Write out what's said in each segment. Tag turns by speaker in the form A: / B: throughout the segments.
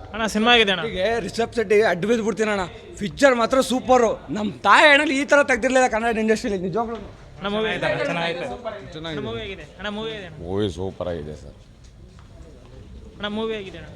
A: ಅಣ್ಣ ಸಿನಿಮಾ ಆಗಿದೆ ಅಣ್ಣ.
B: ರಿಷಬ್ ಶೆಟ್ಟಿಗೆ ಅಡ್ಡ ಬಿದ್ದು ಬಿಡ್ತೀನಿ ಅಣ್ಣ. ಪಿಕ್ಚರ್ ಮಾತ್ರ ಸೂಪರು. ನಮ್ಮ ತಾಯಿ ಅಣ್ಣಲ್ಲಿ ಈ ಥರ ತೆಗ್ದಿರ್ಲಿಲ್ಲ ಕನ್ನಡ ಇಂಡಸ್ಟ್ರಿಯಲ್ಲಿ ನಿಜವಾಗ್ಲೂ.
A: ಮೂವಿ ಆಗಿದೆ ಅಣ್ಣ.
C: ಮೂವಿ ಸೂಪರ್ ಆಗಿದೆ ಸರ್.
A: ಅಣ್ಣ ಮೂವಿ ಆಗಿದೆ ಅಣ್ಣ.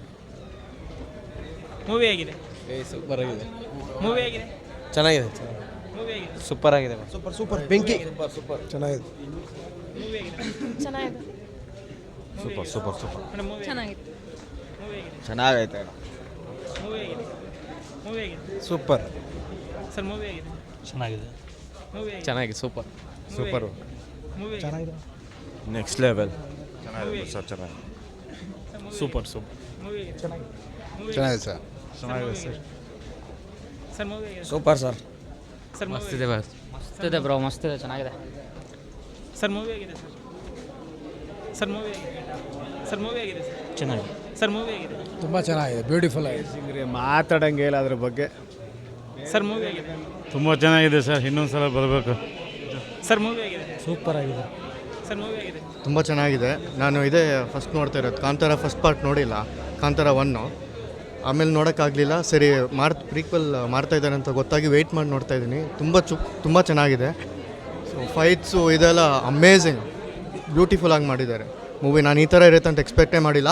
A: ಮೂವಿ ಆಗಿದೆ.
D: ಸೂಪರ್ ಆಗಿದೆ.
A: ಮೂವಿ ಆಗಿದೆ.
D: ಚೆನ್ನಾಗಿದೆ.
A: ಮೂವಿ ಆಗಿದೆ.
D: ಸೂಪರ್ ಆಗಿದೆ. ಸೂಪರ್ ಬೆಂಕಿ. ಸೂಪರ್ ಚೆನ್ನಾಗಿದೆ.
A: ಮೂವಿ ಆಗಿದೆ.
E: ಚೆನ್ನಾಗಿದೆ.
C: ಸೂಪರ್
A: ಅಣ್ಣ ಮೂವಿ
E: ಚೆನ್ನಾಗಿತ್ತು.
A: ಮೂವಿ ಆಗಿದೆ.
C: ಚೆನ್ನಾಗೈತೆ.
A: ಮೂವಿ ಆಗಿದೆ. ಮೂವಿ ಆಗಿದೆ.
D: ಸೂಪರ್.
A: ಸರ್ ಮೂವಿ ಆಗಿದೆ.
D: ಚೆನ್ನಾಗಿದೆ.
A: ಮೂವಿ ಆಗಿದೆ.
D: ಚೆನ್ನಾಗಿದೆ. ಸೂಪರ್.
C: ಸೂಪರು.
A: ಮೂವಿ
D: ಚೆನ್ನಾಗಿದೆ.
C: Next level. ಚೆನ್ನಾಗಿದೆ ಸರ್. ಚೆನ್ನಾಗಿದೆ.
D: ಸೂಪರ್.
A: ಮೂವಿ ಆಗಿದೆ.
C: ಚೆನ್ನಾಗಿದೆ ಸರ್.
D: ಚೆನ್ನಾಗಿದೆ ಸರ್.
A: ಸರ್ ಮೂವಿ ಆಗಿದೆ.
B: Super sir.
A: ಸರ್ ಮೂವಿ
D: ಮಸ್ತಿದೆ ಬಸ್. ಮಸ್ತಿದೆ ಬ್ರೋ. ಮಸ್ತಿದೆ. ಚೆನ್ನಾಗಿದೆ.
A: ಸರ್ ಮೂವಿ ಆಗಿದೆ ಸರ್. ಸರ್ ಮೂವಿ ಆಗಿದೆ. ಸರ್ ಮೂವಿ ಆಗಿದೆ ಸರ್.
D: ಚೆನ್ನಾಗಿದೆ.
A: ಸರ್ ಮೂವಿ ಆಗಿದೆ.
B: ತುಂಬ ಚೆನ್ನಾಗಿದೆ. ಬ್ಯೂಟಿಫುಲ್ ಆಗಿದೆ.
F: ಮಾತಾಡಂಗೆ ಇಲ್ಲ ಅದ್ರ ಬಗ್ಗೆ.
A: ಸರ್ ಮೂವಿ ಆಗಿದೆ.
F: ತುಂಬ ಚೆನ್ನಾಗಿದೆ ಸರ್. ಇನ್ನೊಂದ್ಸಲ ಬರಬೇಕು.
A: ಸರ್ ಮೂವಿ ಆಗಿದೆ.
D: ಸೂಪರ್ ಆಗಿದೆ.
A: ಸರ್ ಮೂವಿ ಆಗಿದೆ.
G: ತುಂಬ ಚೆನ್ನಾಗಿದೆ. ನಾನು ಇದೇ ಫಸ್ಟ್ ನೋಡ್ತಾ ಇರೋದು. ಕಾಂತಾರ ಫಸ್ಟ್ ಪಾರ್ಟ್ ನೋಡಿಲ್ಲ. ಕಾಂತಾರ 1 ಆಮೇಲೆ ನೋಡೋಕ್ಕಾಗಲಿಲ್ಲ. ಸರಿ ಪ್ರೀಕ್ವೆಲ್ ಮಾಡ್ತಾ ಇದ್ದಾರೆ ಅಂತ ಗೊತ್ತಾಗಿ ವೆಯ್ಟ್ ಮಾಡಿ ನೋಡ್ತಾ ಇದ್ದೀನಿ. ತುಂಬ ಚೆನ್ನಾಗಿದೆ. ಸೊ ಫೈಟ್ಸು ಇದೆಲ್ಲ ಅಮೇಝಿಂಗ್ ಬ್ಯೂಟಿಫುಲ್ಲಾಗಿ ಮಾಡಿದ್ದಾರೆ ಮೂವಿ. ನಾನು ಈ ಥರ ಇರುತ್ತೆ ಅಂತ ಎಕ್ಸ್ಪೆಕ್ಟೇ ಮಾಡಿಲ್ಲ.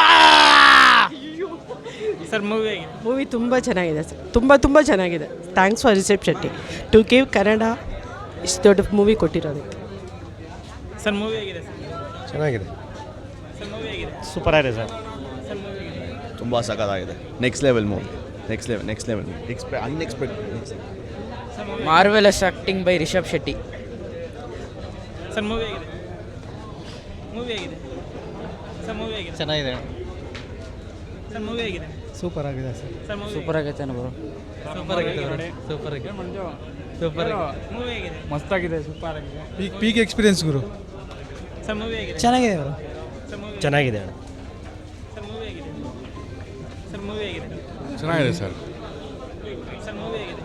A: ಸರ್ ಮೂವಿ ಆಗಿದೆ.
H: ಮೂವಿ ತುಂಬ ಚೆನ್ನಾಗಿದೆ ಸರ್. ತುಂಬ ಚೆನ್ನಾಗಿದೆ. Thanks for Rishab Shetty to give Kannada ಇಷ್ಟು ದೊಡ್ಡ ಮೂವಿ ಕೊಟ್ಟಿರೋದಕ್ಕೆ.
A: ಸರ್ ಮೂವಿ ಆಗಿದೆ ಸರ್.
F: ಚೆನ್ನಾಗಿದೆ.
A: ಸರ್ ಮೂವಿ ಆಗಿದೆ.
F: ಸೂಪರ್ ಆಗಿದೆ ಸರ್.
A: ಸರ್ ಮೂವಿ ಆಗಿದೆ.
C: ತುಂಬ ಸಖತ್ತಾಗಿದೆ. Next level movie. Next level unexpected.
A: Sir movie
D: marvellous acting by Rishab Shetty.
A: Sir movie ಆಗಿದೆ. ಮೂವಿ ಆಗಿದೆ. ಸರ್ ಮೂವಿ ಆಗಿದೆ.
D: ಚೆನ್ನಾಗಿದೆ.
A: ಸರ್ ಮೂವಿ ಆಗಿದೆ.
D: ಸೂಪರ್ ಆಗಿದೆ ಸರ್.
A: ಸರ್ ಮೂವಿ
D: ಸೂಪರ್ ಆಗೈತೆ ಬ್ರೋ. ಸೂಪರ್ ಆಗಿದೆ. ಸೂಪರ್ ಆಗಿದೆ. ಸೂಪರ್ ಆಗಿದೆ.
A: ಮೂವಿ ಆಗಿದೆ.
F: ಮಸ್ತಾಗಿದೆ. ಸೂಪರ್ ಆಗಿದೆ. ಪೀಕ್ ಎಕ್ಸ್ಪೀರಿಯನ್ಸ್ ಗುರು.
A: ಸರ್ ಮೂವಿ ಆಗಿದೆ.
D: ಚೆನ್ನಾಗಿದೆ ಬ್ರೋ.
A: ಸರ್ ಮೂವಿ
F: ಚೆನ್ನಾಗಿದೆ.
A: ಸರ್ ಮೂವಿ ಆಗಿದೆ. ಸರ್ ಮೂವಿ ಆಗಿದೆ.
C: ಚೆನ್ನಾಗಿದೆ ಸರ್.
A: ಸರ್ ಮೂವಿ ಆಗಿದೆ.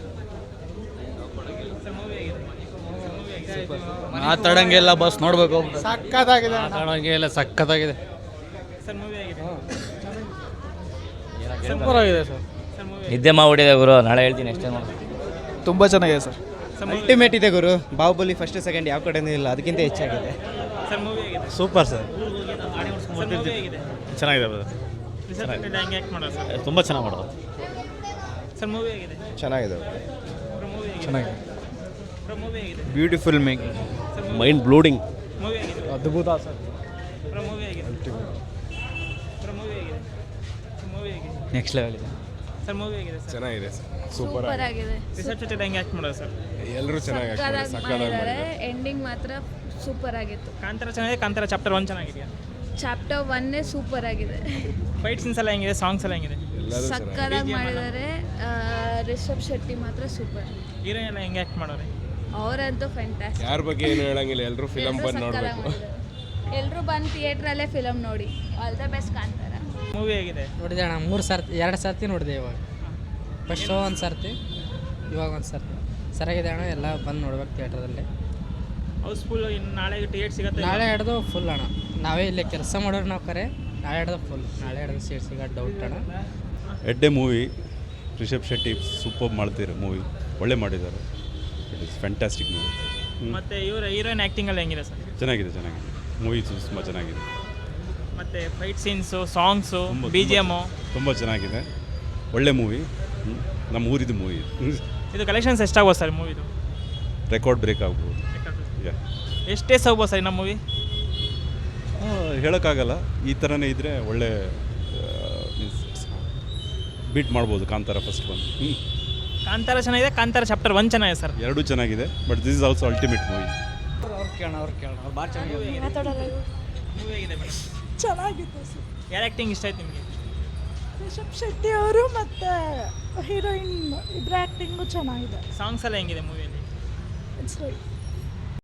A: ಸರ್ ಮೂವಿ ಆಗಿದೆ. ಸರ್ ಮೂವಿ ಆಗಿದೆ.
D: ಮಾತಾಡಂಗೆಲ್ಲ ಬಸ್ ನೋಡಬೇಕು.
F: ಸಕ್ಕತ್ತಾಗಿದೆ.
D: ಮಾತಾಡಂಗೆಲ್ಲ ಸಕ್ಕತ್ತಾಗಿದೆ.
A: ಸರ್ ಮೂವಿ ಆಗಿದೆ.
D: ಸೂಪರ್ ಆಗಿದೆ ಸರ್.
A: ಸರ್ ಮೂವಿ
D: ನಿದ್ದೆ ಮಾಡಿದೆ ಗುರು. ನಾಳೆ ಹೇಳ್ತೀನಿ ಅಷ್ಟೇ ನೋಡಿ.
F: ತುಂಬ ಚೆನ್ನಾಗಿದೆ ಸರ್.
A: ಸರ್ ಮೂವಿ
D: ಅಲ್ಟಿಮೇಟ್ ಇದೆ ಗುರು. ಬಾಹುಬಲಿ ಫಸ್ಟ್ ಸೆಕೆಂಡ್ ಯಾವ ಕಡೆನೂ ಇಲ್ಲ. ಅದಕ್ಕಿಂತ ಹೆಚ್ಚಾಗಿದೆ.
A: ಸರ್ ಮೂವಿ ಆಗಿದೆ.
F: Super sir.
A: ಸರ್ ಮೂವಿ ಆಗಿದೆ.
F: ಚೆನ್ನಾಗಿದೆ ಬ್ರದರ್.
A: ರಿಷಬ್ ಶೆಟ್ಟಿ ಹೆಂಗೆ ಆ್ಯಕ್ಟ್ ಮಾಡೋದು ಸರ್.
F: ತುಂಬ ಚೆನ್ನಾಗಿ ಮಾಡೋದು.
A: ಸರ್ ಮೂವಿ ಆಗಿದೆ.
C: ಚೆನ್ನಾಗಿದೆ.
A: ಮೂವಿ ಆಗಿದೆ.
F: ಚೆನ್ನಾಗಿದೆ.
A: ಮೂವಿ ಆಗಿದೆ.
F: Beautiful making.
A: Sir
C: mind blowing.
A: Movie ಆಗಿದೆ.
F: ಅದ್ಭುತ ಸರ್.
A: ಮೂವಿ ಆಗಿದೆ. ಮೂವಿ ಆಗಿದೆ. ಮೂವಿ ಆಗಿದೆ.
D: ನೆಕ್ಸ್ಟ್ ಲೆವೆಲ್ ಇದೆ.
A: ಸರ್ ಮೂವಿ ಆಗಿದೆ ಸರ್.
C: ಚೆನ್ನಾಗಿದೆ ಸರ್.
E: ಸೂಪರ್ ಆಗಿದೆ.
A: ರಿಷಬ್ ಶೆಟ್ಟಿ ಹೆಂಗೆ ಆ್ಯಕ್ಟ್ ಮಾಡೋದು ಸರ್.
C: ಎಲ್ಲರೂ ಚೆನ್ನಾಗಿ
E: ಮಾಡಿದ್ದಾರೆ. ಎಂಡಿಂಗ್ ಮಾತ್ರ ಸೂಪರ್ ಆಗಿತ್ತು.
A: ಕಾಂತಾರ ಚೆನ್ನಾಗಿದೆ. ಕಾಂತಾರ ಚಾಪ್ಟರ್ 1 ಚೆನ್ನಾಗಿದೆಯಾ.
E: ಚಾಪ್ಟರ್ 1 ಸೂಪರ್ ಆಗಿದೆ.
A: ಫೈಟ್ ಸೀನ್ಸ್ ಎಲ್ಲ ಹೆಂಗಿದೆ. ಸಾಂಗ್ಸ್ ಎಲ್ಲ ಹೆಂಗಿದೆ.
E: ಸಕ್ಕದಾಗಿ ಮಾಡಿದ್ದಾರೆ. ರಿಷಬ್ ಶೆಟ್ಟಿ ಮಾತ್ರ ಸೂಪರ್.
A: ಹೀರೋಯಿನ್ ಎಲ್ಲ ಹೆಂಗೆ ಆ್ಯಕ್ಟ್ ಮಾಡೋರೆ.
E: ಅವರಂತೂ ಫ್ಯಾಂಟಾಸ್ಟಿಕ್.
C: ಯಾರ ಬಗ್ಗೆ ಏನು ಹೇಳಂಗಿಲ್ಲ. ಎಲ್ಲರೂ ಫಿಲಮ್ ಬಂದು ನೋಡಬೇಕು.
E: ಎಲ್ಲರೂ ಬಂದು ಥಿಯೇಟ್ರಲ್ಲೇ ಫಿಲಮ್ ನೋಡಿ. All the best Kantara.
A: Movie ಆಗಿದೆ.
I: ನೋಡಿದೆ ಅಣ್ಣ. 2 ಸರ್ತಿ ನೋಡಿದೆ. ಇವಾಗ ಫಸ್ಟ್ ಶೋ 1 ಸರ್ತಿ, ಇವಾಗ 1 ಸರ್ತಿ. ಸರಿಯಾಗಿದೆ ಅಣ್ಣ. ಎಲ್ಲ ಬಂದು ನೋಡ್ಬೇಕು ಥಿಯೇಟ್ರದಲ್ಲಿ.
A: ಹೌಸ್ಫುಲ್. ಇನ್ನು ನಾಳೆ ಟಿಕೆಟ್ ಸಿಗುತ್ತೆ.
I: ನಾಳೆ ಹಿಡ್ದು ಫುಲ್ ಅಣ್ಣ. ನಾವೇ ಇಲ್ಲೇ ಕೆಲಸ ಮಾಡೋರು ನಾವು ಕರೆ. ನಾಳೆ ಹಿಡ್ದು ಫುಲ್. ನಾಳೆ ಹಿಡ್ದು ಸೀಟ್ ಸಿಗೋದು ಡೌಟ್ ಅಣ್ಣ.
J: ಎಡ್ಡೆ ಮೂವಿ. ರಿಷಬ್ ಶೆಟ್ಟಿ ಸೂಪರ್ ಮಾಡ್ತಿರೋ ಮೂವಿ. ಒಳ್ಳೆ ಮಾಡಿದ್ದಾರೆ. It is fantastic movie.
A: ಮತ್ತೆ ಹೀರೋಯಿನ್ ಆ್ಯಕ್ಟಿಂಗ್ ಎಲ್ಲ ಹೆಂಗಿದೆ ಸರ್.
J: ಚೆನ್ನಾಗಿದೆ. ಮೂವಿ ತುಂಬ ಚೆನ್ನಾಗಿದೆ.
A: ಮತ್ತೆ ಫೈಟ್ ಸೀನ್ಸು, ಸಾಂಗ್ಸು, BGM
J: ತುಂಬ ಚೆನ್ನಾಗಿದೆ. ಒಳ್ಳೆ ಮೂವಿ. ನಮ್ಮ ಊರಿದು ಮೂವಿ.
A: ಇದು ಕಲೆಕ್ಷನ್ಸ್ ಎಷ್ಟಾಗ್ಬೋದು ಸರ್ ಮೂವಿದು.
J: ರೆಕಾರ್ಡ್ ಬ್ರೇಕ್ ಆಗ್ಬೋದು.
A: ಎಷ್ಟು ಡೇಸ್ ಆಗ್ಬೋದು ಸರ್ ನಮ್ಮ ಮೂವಿ.
J: ಹೇಳೋಕ್ಕಾಗಲ್ಲ. ಈ ಥರನೇ ಇದ್ದರೆ ಒಳ್ಳೆ ಬೀಟ್ ಮಾಡ್ಬೋದು. ಕಾಂತಾರ ಫಸ್ಟ್ 1.
A: ಕಾಂತಾರ ಚೆನ್ನಾಗಿದೆ. ಕಾಂತಾರ ಚಾಪ್ಟರ್ 1 ಚೆನ್ನಾಗಿದೆ ಸರ್.
J: ಎರಡೂ ಚೆನ್ನಾಗಿದೆ. But this is also ultimate movie.
A: Movie ಆಗಿದೆ ಮೇಡಮ್.
H: ಚೆನ್ನಾಗಿದೆ ಸರ್.
A: ಯಾರು ಆ್ಯಕ್ಟಿಂಗ್ ಇಷ್ಟ ಆಯ್ತು ನಿಮಗೆ.
H: ರಿಷಬ್ ಶೆಟ್ಟಿ ಅವರು ಮತ್ತು ಹೀರೋಯಿನ್ ಇಬ್ಬರ ಆ್ಯಕ್ಟಿಂಗು ಚೆನ್ನಾಗಿದೆ.
A: ಸಾಂಗ್ಸ್ ಎಲ್ಲ ಹೆಂಗಿದೆ ಮೂವಿಯಲ್ಲಿ.
H: ಇಟ್ಸ್